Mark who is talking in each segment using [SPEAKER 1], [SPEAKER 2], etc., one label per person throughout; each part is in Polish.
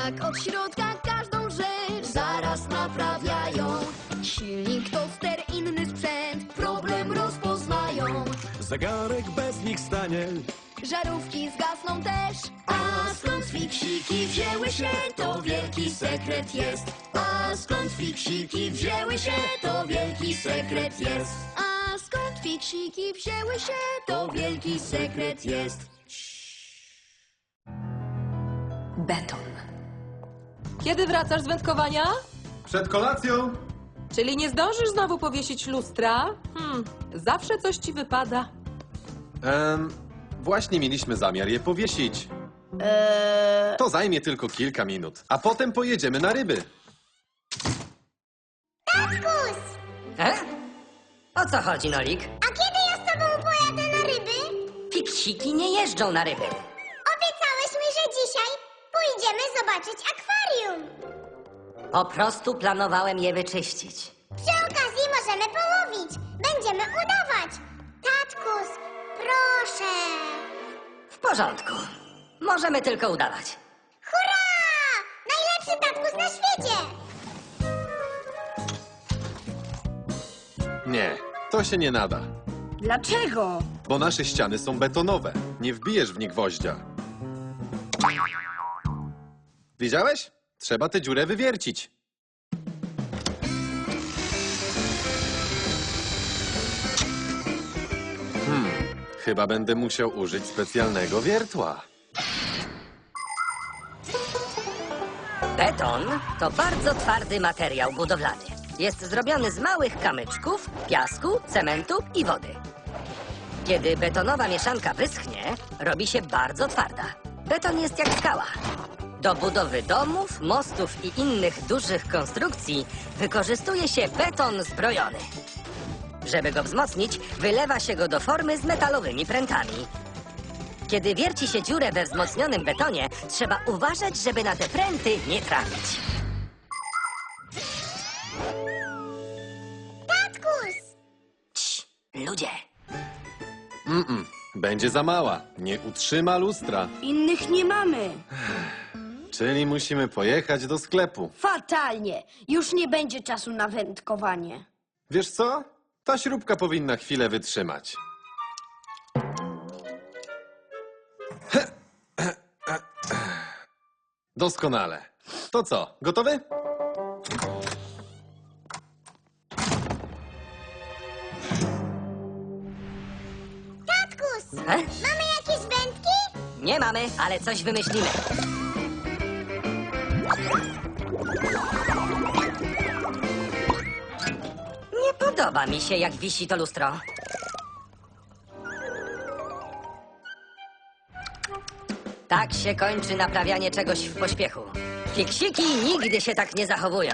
[SPEAKER 1] tak od środka każdą rzecz zaraz naprawiają. Silnik, toster, inny sprzęt, problem rozpoznają.
[SPEAKER 2] Zegarek bez nich stanie.
[SPEAKER 1] Żarówki zgasną też. A skąd fiksiki wzięły się, to wielki sekret jest. A skąd fiksiki wzięły się, to wielki sekret jest. A skąd fiksiki wzięły się, to wielki sekret jest.
[SPEAKER 3] Beton. Kiedy wracasz z wędkowania?
[SPEAKER 4] Przed kolacją.
[SPEAKER 3] Czyli nie zdążysz znowu powiesić lustra? Zawsze coś ci wypada.
[SPEAKER 4] Właśnie mieliśmy zamiar je powiesić. To zajmie tylko kilka minut, a potem pojedziemy na ryby.
[SPEAKER 5] Tatkus!
[SPEAKER 6] O co chodzi, Nolik?
[SPEAKER 5] A kiedy ja z tobą pojadę na ryby?
[SPEAKER 6] Fiksiki nie jeżdżą na ryby.
[SPEAKER 5] Obiecałeś mi, że dzisiaj pójdziemy zobaczyć akwarium.
[SPEAKER 6] Po prostu planowałem je wyczyścić.
[SPEAKER 5] Przy okazji możemy połowić. Będziemy udawać. Tatkus, proszę.
[SPEAKER 6] W porządku. Możemy tylko udawać.
[SPEAKER 5] Hurra! Najlepszy tatkus na świecie!
[SPEAKER 4] Nie, to się nie nada,
[SPEAKER 7] Dlaczego?
[SPEAKER 4] bo nasze ściany są betonowe. Nie wbijesz w nie gwoździa. Widziałeś? Trzeba tę dziurę wywiercić. Chyba będę musiał użyć specjalnego wiertła.
[SPEAKER 6] Beton to bardzo twardy materiał budowlany. Jest zrobiony z małych kamyczków, piasku, cementu i wody. Kiedy betonowa mieszanka wyschnie, robi się bardzo twarda. Beton jest jak skała. Do budowy domów, mostów i innych dużych konstrukcji wykorzystuje się beton zbrojony. Żeby go wzmocnić, wylewa się go do formy z metalowymi prętami. Kiedy wierci się dziurę we wzmocnionym betonie, trzeba uważać, żeby na te pręty nie trafić.
[SPEAKER 5] Tatkus!
[SPEAKER 6] Cii, ludzie!
[SPEAKER 4] Będzie za mała. Nie utrzyma lustra.
[SPEAKER 7] Innych nie mamy.
[SPEAKER 4] Czyli musimy pojechać do sklepu.
[SPEAKER 7] Fatalnie. Już nie będzie czasu na wędkowanie.
[SPEAKER 4] Wiesz co? Ta śrubka powinna chwilę wytrzymać. Doskonale. To co, gotowy?
[SPEAKER 5] Tatkus!
[SPEAKER 6] He?
[SPEAKER 5] Mamy jakieś wędki?
[SPEAKER 6] Nie mamy, ale coś wymyślimy. Nie podoba mi się, jak wisi to lustro. Tak się kończy naprawianie czegoś w pośpiechu. Fiksiki nigdy się tak nie zachowują.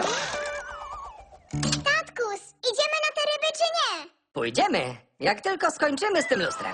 [SPEAKER 5] Tatkus, idziemy na te ryby czy nie?
[SPEAKER 6] Pójdziemy, jak tylko skończymy z tym lustrem.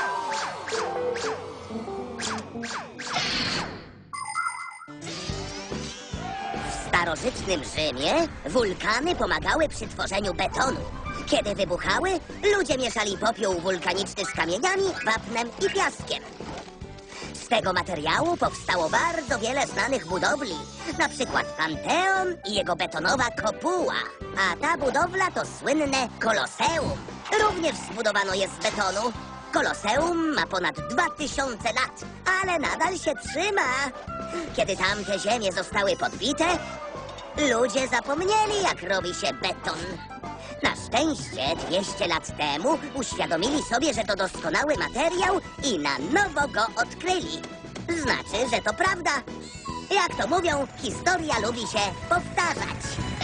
[SPEAKER 8] W starożytnym Rzymie wulkany pomagały przy tworzeniu betonu. Kiedy wybuchały, ludzie mieszali popiół wulkaniczny z kamieniami, wapnem i piaskiem. Z tego materiału powstało bardzo wiele znanych budowli, na przykład Panteon i jego betonowa kopuła. A ta budowla to słynne Koloseum. Również zbudowano je z betonu. Koloseum ma ponad 2000 lat, ale nadal się trzyma. Kiedy tamte ziemie zostały podbite, ludzie zapomnieli, jak robi się beton. Na szczęście 200 lat temu uświadomili sobie, że to doskonały materiał i na nowo go odkryli. Znaczy, że to prawda. Jak to mówią, historia lubi się powtarzać.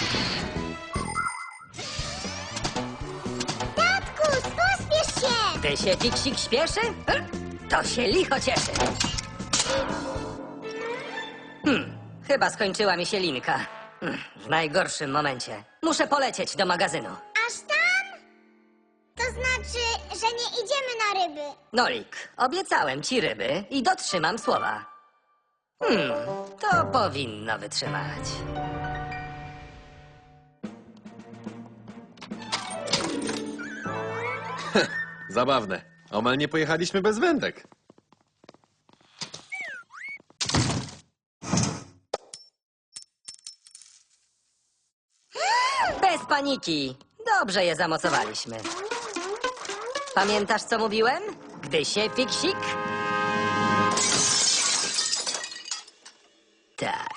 [SPEAKER 5] Tatkus, pospiesz się!
[SPEAKER 6] Ty się fiksik śpieszy? To się licho cieszy. Chyba skończyła mi się linka. W najgorszym momencie. Muszę polecieć do magazynu.
[SPEAKER 5] Aż tam? To znaczy, że nie idziemy na ryby.
[SPEAKER 6] Nolik, obiecałem ci ryby i dotrzymam słowa. To powinno wytrzymać.
[SPEAKER 4] Zabawne. Omal nie pojechaliśmy bez wędek.
[SPEAKER 6] paniki. Dobrze je zamocowaliśmy. Pamiętasz, co mówiłem? Gdy się fiksik... Tak.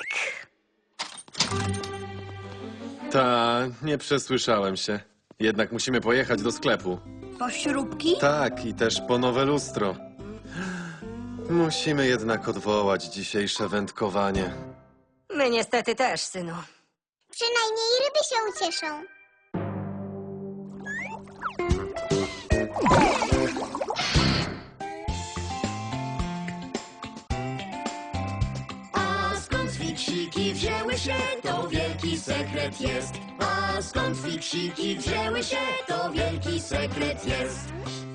[SPEAKER 4] Ta, nie przesłyszałem się. Jednak musimy pojechać do sklepu.
[SPEAKER 7] Po śrubki?
[SPEAKER 4] Tak, i też po nowe lustro. Musimy jednak odwołać dzisiejsze wędkowanie.
[SPEAKER 6] My niestety też, synu.
[SPEAKER 5] Przynajmniej ryby się ucieszą.
[SPEAKER 1] A skąd fiksiki wzięły się, to wielki sekret jest. A skąd fiksiki wzięły się, to wielki sekret jest.